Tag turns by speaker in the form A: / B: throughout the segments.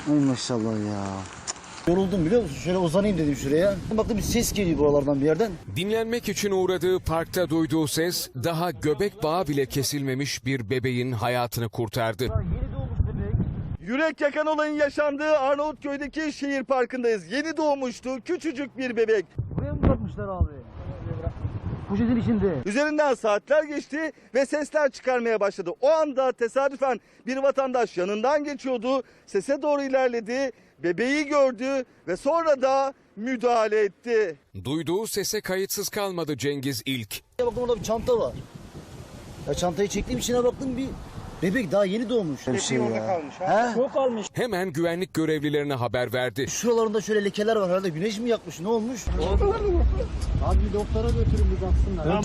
A: Ay maşallah ya. Yoruldum biliyor musun? Şöyle uzanayım dedim şuraya. Baktım bir ses geliyor buralardan bir yerden.
B: Dinlenmek için uğradığı parkta duyduğu ses daha göbek bağı bile kesilmemiş bir bebeğin hayatını kurtardı.
A: Yeni doğmuş bebek.
C: Yürek yakan olayın yaşandığı Arnavutköy'deki şehir parkındayız. Yeni doğmuştu küçücük bir bebek.
A: Buraya mı bırakmışlar abi? Poşetin içinde.
C: Üzerinden saatler geçti ve sesler çıkarmaya başladı. O anda tesadüfen bir vatandaş yanından geçiyordu. Sese doğru ilerledi, bebeği gördü ve sonra da müdahale etti.
B: Duyduğu sese kayıtsız kalmadı Cengiz İlk.
A: Ya bakın orada bir çanta var. Ya çantayı çektiğim içine baktım bir bebek daha yeni doğmuş. Bir şey
C: orada
A: ya.
C: kalmış,
A: He?
D: Çok almış.
B: Hemen güvenlik görevlilerine haber verdi.
A: Şuralarında şöyle lekeler var herhalde. Güneş mi yakmış? Ne olmuş?
D: Abi bir doktora götürün bir baksınlar.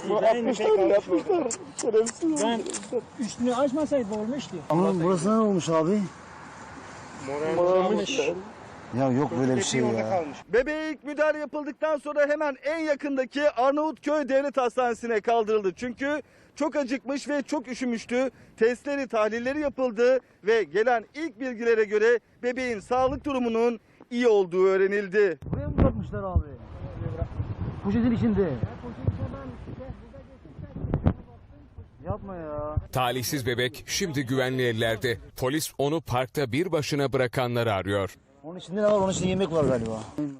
D: Ben üstünü açmasaydı olmuştu.
A: Ama burası ne olmuş abi? Ya yok böyle bir şey ya.
C: Bebeğe ilk müdahale yapıldıktan sonra hemen en yakındaki Arnavutköy Devlet Hastanesi'ne kaldırıldı. Çünkü çok acıkmış ve çok üşümüştü. Testleri, tahlilleri yapıldı ve gelen ilk bilgilere göre bebeğin sağlık durumunun iyi olduğu öğrenildi.
A: Buraya mı bırakmışlar abi? Poşetin içinde. Yapma ya.
B: Talihsiz bebek şimdi güvenli ellerde. Polis onu parkta bir başına bırakanları arıyor.
A: Onun içinde ne var? Onun içinde yemek var galiba.